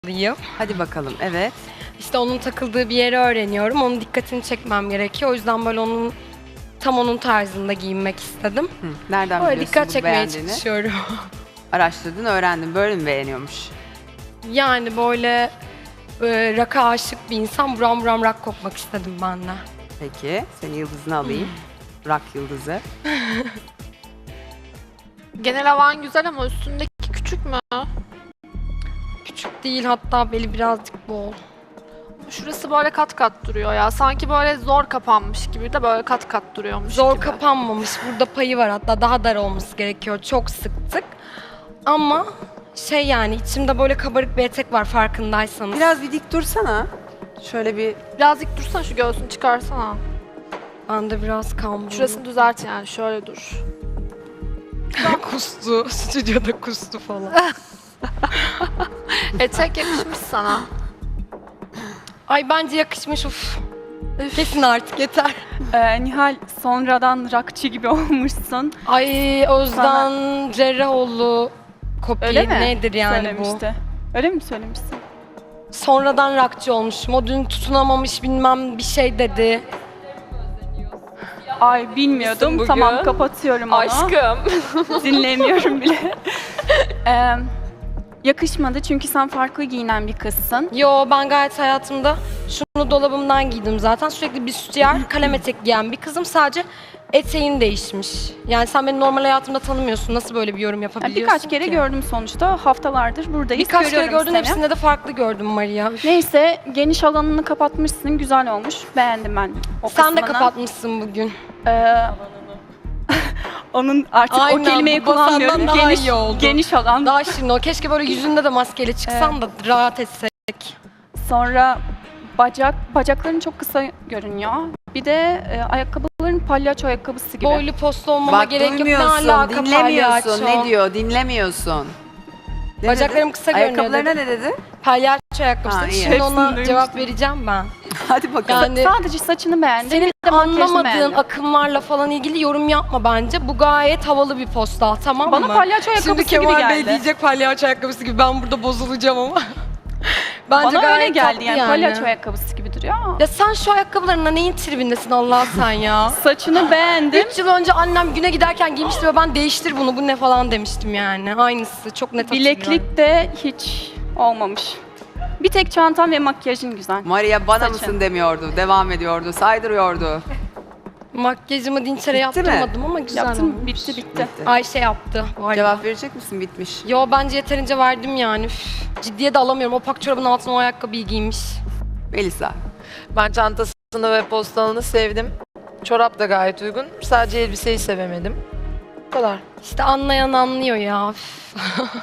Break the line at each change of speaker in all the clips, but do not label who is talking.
alayım.
Hadi bakalım, evet.
İşte onun takıldığı bir yeri öğreniyorum. Onun dikkatini çekmem gerekiyor. O yüzden böyle onun tarzında giyinmek istedim.
Nereden
Böyle
biliyorsun
dikkat
bu
çekmeye
beğendiğini?
çalışıyorum.
Araştırdın, öğrendin. Böyle mi beğeniyormuş?
Yani böyle rock'a aşık bir insan buram buram rock kokmak istedim ben de.
Peki, senin yıldızını alayım. Rock yıldızı.
Genel havan güzel ama üstündeki küçük mü?
Küçük değil, hatta beli birazcık bol.
Şurası böyle kat kat duruyor ya. Sanki böyle zor kapanmış gibi de böyle kat kat duruyormuş
Zor
gibi.
kapanmamış. Burada payı var, hatta daha dar olması gerekiyor. Çok sıktık. Ama yani içimde böyle kabarık bir etek var farkındaysanız.
Biraz bir dik dursana. Şöyle bir...
Birazcık dursana, şu göğsünü çıkarsana.
Ben de biraz kambur.
Şurasını düzelt yani, şöyle dur.
kustu. Stüdyoda kustu falan.
Etek yakışmış sana.
Ay bence yakışmış, uf. Kesin artık yeter.
Nihal, sonradan rockçı gibi olmuşsun.
Ay Özden Cerrahoğlu kopya
Öyle mi?
nedir yani
Söylemişti. Öyle mi söylemişsin?
bu? Sonradan rockçı olmuşum. O dün tutunamamış bilmem bir şey dedi.
Ay bilmiyordum.
Bugün.
Tamam, kapatıyorum onu. Dinlemiyorum bile. Yakışmadı çünkü sen farklı giyinen bir kızsın.
Yo, ben gayet hayatımda şunu dolabımdan giydim zaten. Sürekli bir sütyer, kalem etek giyen bir kızım. Sadece eteğin değişmiş. Yani sen beni normal hayatımda tanımıyorsun. Nasıl böyle bir yorum yapabiliyorsun
Birkaç kere
ki?
gördüm sonuçta. Haftalardır buradayız.
Birkaç kere
Görüyorum
gördüm,
seni.
hepsinde de farklı gördüm Maria. Üf.
Neyse, geniş alanını kapatmışsın. Güzel olmuş. Beğendim ben o
Sen de
kısmını.
kapatmışsın bugün.
Onun artık
Aynen,
o kelimeyi
bu basandan
kullanmıyorum.
daha iyi oldu.
Geniş alan.
Daha şirin o. Keşke böyle yüzünde de maskeli çıksan da rahat etsek.
Sonra bacakların çok kısa görünüyor. Bir de ayakkabıların palyaço ayakkabısı gibi.
Boylu postlu olmama
Bak
gerek yok. Ne
duymuyorsun,
alaka
dinlemiyorsun.
palyaço?
Ne diyor, dinlemiyorsun. Ne
Bacaklarım
dedi?
kısa görünüyor
Ayakkabılarına
dedi.
ne dedi?
Palyaço ayakkabısı.
Ha, iyi.
Şimdi ona
Hepsini
cevap
duymuştum.
vereceğim ben.
Hadi bakalım.
Yani
Sadece saçını beğendim.
senin
bir de makyajını
anlamadığın
beğendim.
akımlarla falan ilgili yorum yapma bence. Bu gayet havalı bir postal, tamam
Bana
mı?
palyaço ayakkabısı
Şimdi
gibi
Kemal Bey
geldi.
diyecek palyaço ayakkabısı gibi, ben burada bozulacağım ama. Bence
Bana öyle
gayet
geldi
tatlı
yani, palyaço ayakkabısı gibi duruyor ama.
Ya sen şu ayakkabılarına neyin tribindesin Allah sen ya?
Saçını beğendim.
3 yıl önce annem güne giderken giymişti ve ben değiştir bunu, bu ne falan demiştim yani. Aynısı, çok net hatırlıyorum.
Bileklik de hiç olmamış. Bir tek çantan ve makyajın güzel.
Maria bana
Saçın.
mısın demiyordu, devam ediyordu, saydırıyordu.
Makyajımı Dinçer'e
Bitti mi?
yaptırmadım ama güzel
Yaptım,
olmuş.
bitti.
Ayşe yaptı bu arada.
Cevap verecek misin? Bitmiş.
Yo, bence yeterince verdim yani. Üf, ciddiye de alamıyorum. O pak çorabın altına o ayakkabıyı giymiş.
Melisa.
Ben çantasını ve postalını sevdim. Çorap da gayet uygun. Sadece elbiseyi sevemedim. Bu kadar.
İşte anlayan anlıyor ya. Üf.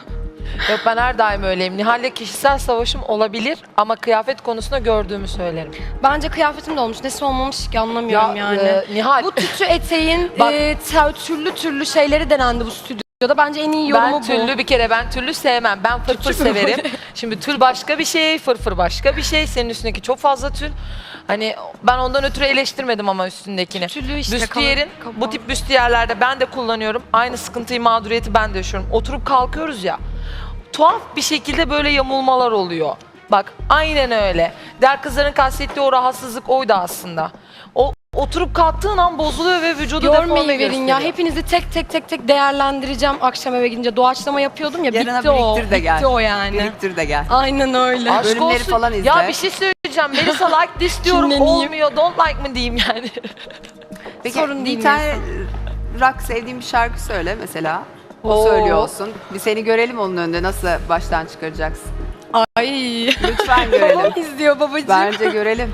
Yok, ben her daim öyleyim. Nihal'le kişisel savaşım olabilir ama kıyafet konusunda gördüğümü söylerim.
Bence kıyafetim de olmuş. Nesi olmamış ki anlamıyorum yani.
Nihal,
Bu tütü eteğin
Bak-
türlü türlü şeyleri denendi bu stüdyoda. Bence en iyi yorumu
ben tüllü sevmem. Ben fırfır severim. Şimdi tül başka bir şey, fırfır başka bir şey. Senin üstündeki çok fazla tül. Hani ben ondan ötürü eleştirmedim ama üstündekini.
Tüllü işte.
Büstiyerin,
kaban.
bu tip büstiyerlerde ben de kullanıyorum. Aynı sıkıntıyı, mağduriyeti ben de yaşıyorum. Oturup kalkıyoruz ya. Tuhaf bir şekilde böyle yamulmalar oluyor. Bak aynen öyle. Diğer kızların kastettiği o rahatsızlık oydu aslında. O oturup kalktığın an bozuluyor ve vücudu deforme
Görmeyi verin
gösteriyor.
ya. Hepinizi tek değerlendireceğim akşam eve gidince. Doğaçlama yapıyordum ya.
Yarına
bitti o.
biriktir de gel.
Bitti o yani.
Biriktir de gel.
Aynen öyle.
Aşk
Bölümleri
olsun.
falan izle.
Ya bir şey söyleyeceğim. Melisa like this diyorum,
Kinleneyim.
olmuyor. Don't like mı diyeyim yani.
Peki
Sorun değil
bir tane rock sevdiğin bir şarkı söyle mesela. O
Oo.
söylüyor olsun. Bir seni görelim onun önünde, nasıl baştan çıkaracaksın.
Ay.
Lütfen görelim.
Babam izliyor babacığım.
Bence görelim.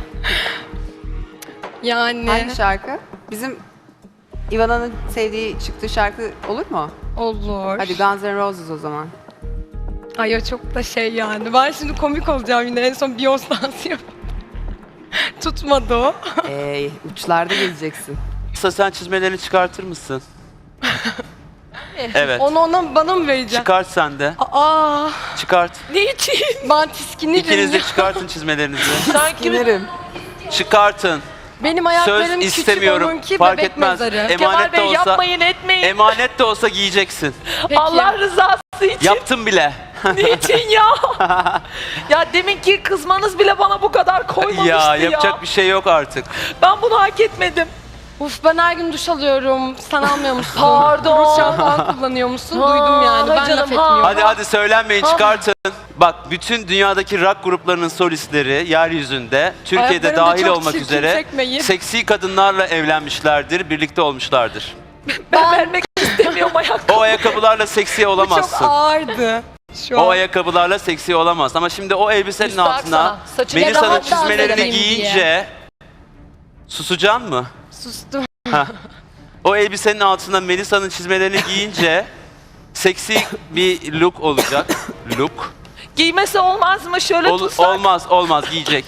Yani.
Hangi şarkı? Bizim Ivana'nın sevdiği çıktığı şarkı olur mu?
Olur.
Hadi Guns N' Roses o zaman.
Ay o çok da şey yani. Ben şimdi komik olacağım yine. En son Beyoncé dansı yaptım. Tutmadı o.
Uçlarda gezeceksin.
Kısa sen çizmelerini çıkartır mısın? Evet.
Onu bana mı vereceksin?
Çıkart sen de.
Aa,
Çıkart.
ben tiskinirim.
İkiniz de
ya.
çıkartın çizmelerinizi.
Sanki
Ginerim.
Çıkartın.
Benim ayaklarım
Söz
küçük,
istemiyorum.
onunki
Fark
bebek
etmez.
mezarı.
Kemal
Emanet de
Bey
olsa,
yapmayın etmeyin.
emanet de olsa giyeceksin.
Peki.
Allah rızası için.
Yaptım bile.
Niçin ya? Ya deminki kızmanız bile bana bu kadar koymamıştı ya.
Yapacak bir şey yok artık.
Ben bunu hak etmedim.
Uf ben her gün duş alıyorum. Sen almıyor musun?
Pardon.
Duş şampuan kullanıyor musun?
Ha,
Duydum yani. Ben
canım,
laf etmiyorum.
Hadi söylenmeyin, çıkartın. Bak bütün dünyadaki rock gruplarının solistleri yeryüzünde, Türkiye'de
Ayaklarını da
dahil
çok
olmak
çirkin
üzere
çekmeyin.
seksi kadınlarla evlenmişlerdir, birlikte olmuşlardır.
Ben vermek istemiyorum ayakkabı.
O ayakkabılarla seksi
Bu çok
olamazsın.
ağırdı. Şu
O
an.
ayakkabılarla seksi olamaz. Ama şimdi o elbisenin
Müstahak
altına
sana. Saçını
Melisa'nın
rahat dans
çizmelerini
edeyim
giyince susacaksın mı?
Sustum.
O elbisenin altına Melisa'nın çizmelerini giyince seksi bir look olacak. Look.
Giymesi olmaz mı? Şöyle tutsak.
Olmaz giyecek.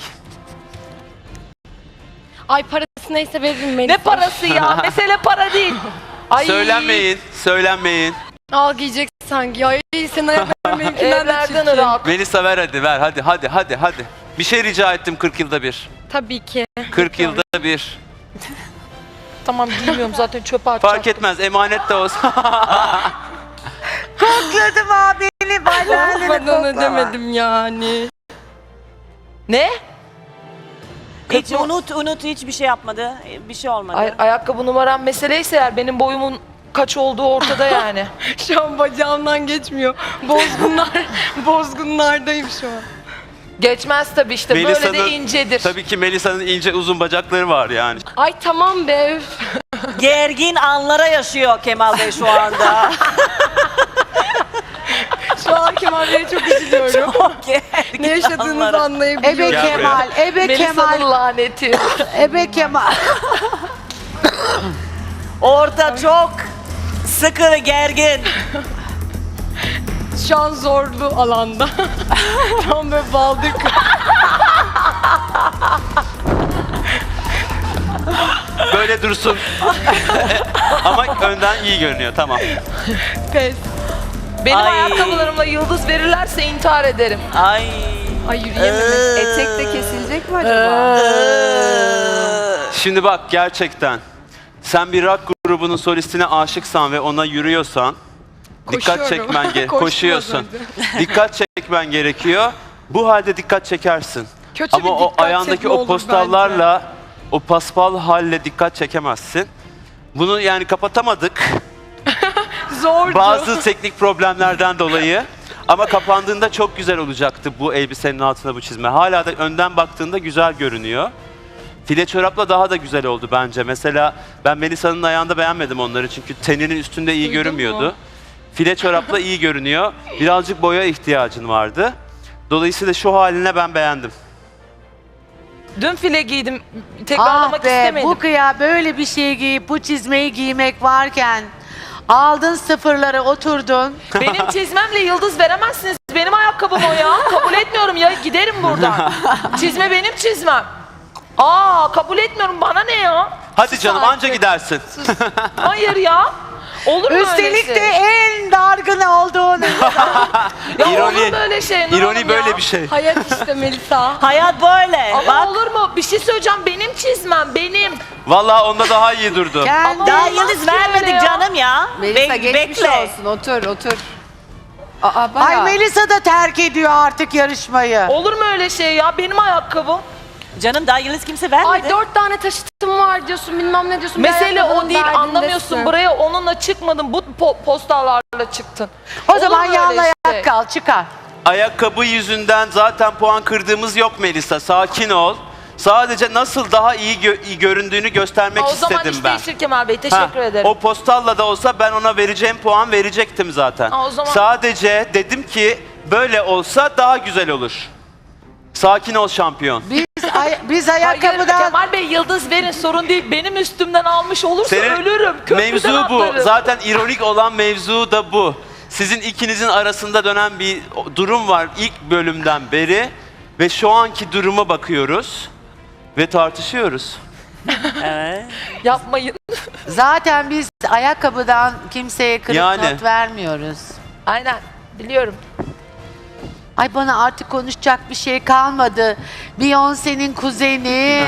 Ay parası neyse veririm Melisa.
Ne parası ya? Mesele para değil. Ay.
Söylenmeyin.
Al giyecek sanki. Ay senin ayakların benimkinden de
Evlerden
çirkin.
ırak.
Melisa ver hadi. Bir şey rica ettim 40 yılda bir.
Tabii ki.
40 yılda bir.
Tamam giymiyorum zaten çöpe atacağım.
Fark etmez, emanet de olsa.
Kokladım abini,
Ben onu demedim yani.
Ne?
Hiç unut hiçbir şey yapmadı. Bir şey olmadı.
Hayır, ayakkabı numaram meseleyse eğer benim boyumun kaç olduğu ortada yani.
Şu an bacağımdan geçmiyor. Bozgunlardayım şu an.
Geçmez tabii işte böyle de incedir.
Tabii ki Melisa'nın ince uzun bacakları var yani.
Ay tamam be. Üf.
Gergin anlara yaşıyor Kemal Bey şu anda.
Şu an Kemal Bey'e çok üzülüyorum.
Gergin
Ne yaşadığınızı
anlara.
anlayabiliyorum.
Ebe
Gel
Kemal, Ebe
Melisa'nın
Kemal,
laneti.
Ebe Kemal.
Orada çok sıkı ve gergin.
Şu an zorlu alanda. Tam böyle baldır
Böyle dursun. Ama önden iyi görünüyor, tamam.
pes.
Benim
Ay.
ayakkabılarımla yıldız verirlerse intihar ederim.
Ay.
Ay yürüyemedim.
Etek de kesilecek mi acaba?
Şimdi bak gerçekten sen bir rock grubunun solistine aşıksan ve ona yürüyorsan dikkat
Koşuyorum.
çekmen
Koştum az
koşuyorsun.
önce.
Dikkat çekmen gerekiyor. Bu halde dikkat çekersin.
Kötü
Ama
bir
o
dikkat
ayağındaki
çekme
o
olur
postallarla o paspal halle dikkat çekemezsin. Bunu yani kapatamadık.
Zordu.
Bazı teknik problemlerden dolayı. Ama kapandığında çok güzel olacaktı bu elbisenin altına bu çizme. Hala da önden baktığında güzel görünüyor. File çorapla daha da güzel oldu bence. Mesela ben Melisa'nın ayağında beğenmedim onları çünkü teninin üstünde iyi
Duydun
görünmüyordu.
mu?
File çorapla iyi görünüyor. Birazcık boya ihtiyacın vardı. Dolayısıyla şu haline ben beğendim.
Dün file giydim. Tekrarlamak
Ah be,
istemedim.
bu kıya böyle bir şey giyip bu çizmeyi giymek varken aldın sıfırları oturdun.
Benim çizmemle yıldız veremezsiniz. Benim ayakkabım o ya. Kabul etmiyorum ya. Giderim buradan. Çizme benim çizmem. Kabul etmiyorum. Bana ne ya?
Hadi canım anca gidersin.
Hayır ya. Olur mu
Üstelik
öyle
de
şey?
en dargın olduğun
Ya
İroni-
olur mu öyle şey? Nur Hanım
İroni
ya?
böyle bir şey.
Hayat işte Melisa.
Hayat böyle.
Ama
Bak.
olur mu? Bir şey söyleyeceğim. Benim çizmem. Benim.
Vallahi onda daha iyi durdu.
kendi
Daha
olmaz
yıldız
ki öyle
vermedik
ya.
canım ya.
Melisa geçmiş
bekle.
olsun, otur. Aa, bayağı.
Ay Melisa da terk ediyor artık yarışmayı.
Olur mu öyle şey ya? Benim ayakkabım.
Canım daha yıldız kimse vermedi.
Ay 4 tane taşıtım var diyorsun bilmem ne diyorsun.
Mesele o
Ayakkabının
değil.
derdindesin.
Anlamıyorsun. Buraya onunla çıkmadın. Bu postallarla çıktın.
O
Olur
zaman
mu öyle
yanlayarak
şey?
kal, çıkar.
Ayakkabı yüzünden zaten puan kırdığımız yok Melisa. Sakin ol. Sadece nasıl daha iyi göründüğünü göstermek
O zaman
istedim
iş
ben.
değişir Kemal Bey.
Ha,
Teşekkür ederim.
O postalla da olsa ben ona vereceğim puan verecektim zaten.
O zaman-
Sadece dedim ki böyle olsa daha güzel olur. Sakin ol şampiyon.
Biz
Hayır
ayakkabıdan
Kemal Bey yıldız verin sorun değil. Benim üstümden almış olursa
Senin
ölürüm. Köprüden
mevzu bu.
atlarım.
Zaten ironik olan mevzu da bu. Sizin ikinizin arasında dönen bir durum var ilk bölümden beri ve şu anki duruma bakıyoruz ve tartışıyoruz.
Evet.
Yapmayın.
zaten biz ayakkabıdan kimseye kırık
Yani.
not vermiyoruz.
Aynen biliyorum.
Ay bana artık konuşacak bir şey kalmadı. Beyoncé'nin kuzeni.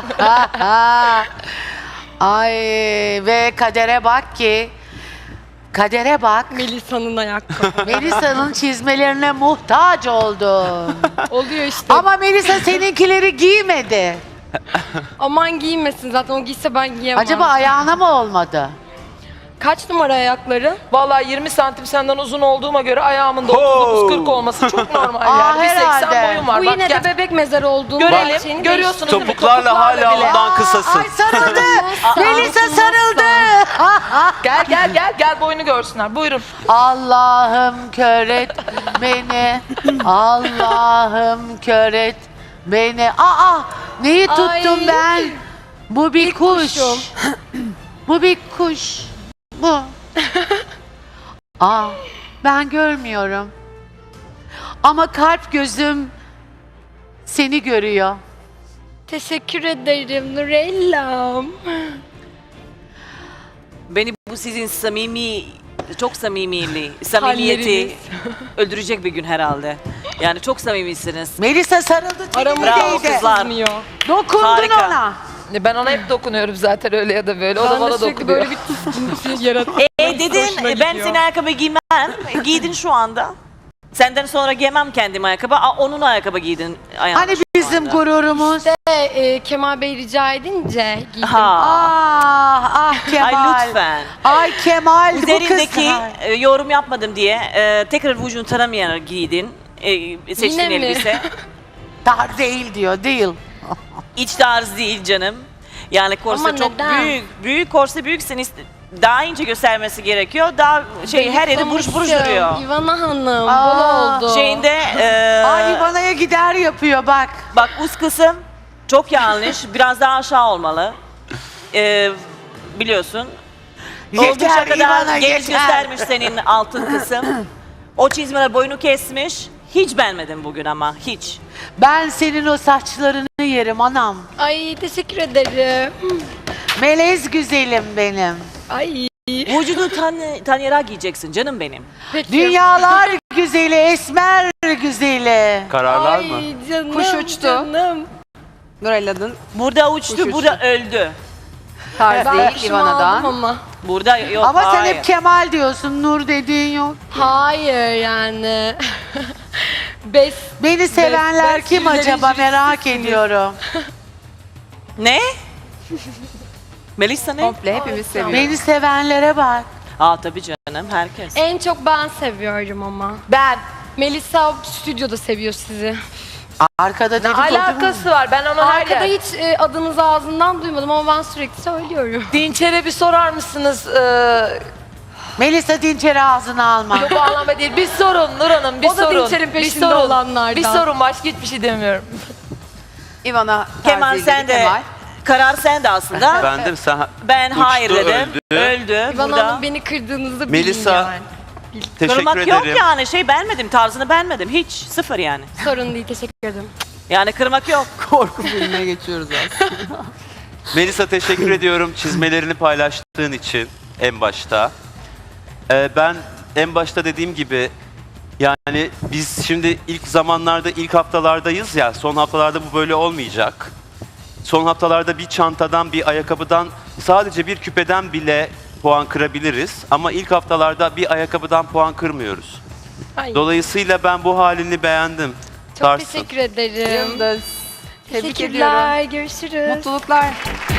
Ay ve kadere bak ki Kadere bak.
Melisa'nın ayakkabı.
Melisa'nın çizmelerine muhtaç oldun.
Oluyor işte.
Ama Melisa seninkileri giymedi.
Aman giymesin zaten, o giyse ben giyemem.
Acaba ayağına mı olmadı?
Kaç numara ayakları?
Vallahi 20 santim senden uzun olduğuma göre ayağımın da 39-40 olması çok normal
Aa,
yani. Bir 80
herhalde.
boyum var.
Bu
Bak
yine
gel.
de bebek mezarı olduğunu
Görelim.
gerçeğini
Görüyorsunuz değil mi?
Topuklarla hala
bile.
ondan kısasın.
Ay sarıldı. Melisa sarıldı.
Gel boyunu görsünler. Buyurun.
Allah'ım kör et beni. Allah'ım kör et beni. Aa, neyi tuttum
Ay.
ben? Bu bir kuş.
kuşum.
Bu bir kuş. Bu. Aa, ben görmüyorum. Ama kalp gözüm seni görüyor.
Teşekkür ederim Nurellam.
Beni bu sizin çok samimiyeti
Halleriniz.
öldürecek bir gün herhalde. Yani çok samimisiniz.
Melisa sarıldı
Bravo
tenimdeydi.
kızlar.
Sızmıyor.
Dokundun
Harika.
ona.
Ben ona hep dokunuyorum zaten öyle ya da böyle. O da
Ben de
bana
sürekli
dokunuyor.
böyle bir tıskıntı yaratıyor.
Dedin
Hoşuma
ben
gidiyor.
senin ayakkabı giymem. Giydin şu anda. Senden sonra giymem kendim ayakkabı. Onun ayakkabı giydin ayağına
Hani
şu
bizim
anda.
gururumuz.
Kemal Bey rica edince giydim.
Ha.
Ah Kemal.
Ay lütfen.
Ay Kemal bu kız.
Üzerindeki yorum yapmadım diye tekrar vücudunu tanımayan giydin. Seçtiğin
Yine mi?
elbise.
Dar değil diyor, değil.
İç tarz değil canım. Yani korse
Ama
çok
neden?
büyük korse büyüksen daha ince göstermesi gerekiyor. Daha her yeri buruş buruş duruyor.
İvana Hanım,
Aa,
bol oldu.
Şeyinde
Ay Ivana'ya gider yapıyor bak.
bak üst kısım çok yanlış. Biraz daha aşağı olmalı. Biliyorsun. Oldukça
Yeter
kadar
Ivana
geniş
yeter.
göstermiş senin altın kısım. O çizmeler boyunu kesmiş. Hiç beğenmedim bugün ama hiç.
Ben senin o saçlarını yerim anam.
Ay teşekkür ederim.
Melez güzelim benim.
Ay.
Vücudu tanıyarak giyeceksin canım benim.
Peki.
Dünyalar güzeli, esmer güzeli.
Kararlar mı?
Ay canım.
Kuş uçtu.
Canım.
Nurella'nın
Burada uçtu,
Kuş
burada öldü.
tarz
Ben
değil
kuşumu aldım
Ivana'dan.
ama.
Burada yok,
Ama sen
hayır.
hep Kemal diyorsun, Nur dediğin yok.
Hayır yani. Bes.
Beni sevenler
ben
kim
sürülerin
acaba merak
jürisisiniz.
ediyorum.
Ne? Melisa ne?
Komple hepimiz seviyoruz.
Beni sevenlere bak.
Tabii canım, herkes.
En çok ben seviyorum ama.
Ben.
Melisa stüdyoda seviyor sizi.
Arkada
Ne
dedikodu mu?
alakası var? Ben onu her
Arkada
yer...
hiç adınızı ağzından duymadım ama ben sürekli söylüyorum.
Dinçer'e bir sorar mısınız?
Melisa Dinçer'i ağzına alma.
Yok o anlamda değil. Bir sorun Nur Hanım, bir
O da
sorun.
Dinçer'in
Bir
peşinde
sorun.
olanlardan.
Bir sorun, başka hiçbir şey demiyorum.
Ivana
Kemal
tarzıyla
sen de,
Kemal.
karar sen de aslında.
Ben de sen
Ben
uçtu,
hayır dedim. Öldü.
İvan
burada.
Hanım beni kırdığınızı
Melisa,
bilin yani.
teşekkür
Kırmak
ederim.
yok yani beğenmedim, tarzını beğenmedim. Hiç, sıfır yani.
Sorun değil, teşekkür ederim.
Yani kırmak yok.
Korku filmine geçiyoruz aslında.
Melisa teşekkür ediyorum çizmelerini paylaştığın için en başta. Ben en başta dediğim gibi yani biz şimdi ilk zamanlarda, ilk haftalardayız ya, son haftalarda bu böyle olmayacak. Son haftalarda bir çantadan, bir ayakkabıdan, sadece bir küpeden bile puan kırabiliriz. Ama ilk haftalarda bir ayakkabıdan puan kırmıyoruz.
Ay,
Dolayısıyla ben bu halini beğendim.
çok
Tarsın.
teşekkür ederim.
Yıldız. Tebrik ediyorum.
Teşekkürler, görüşürüz.
Mutluluklar.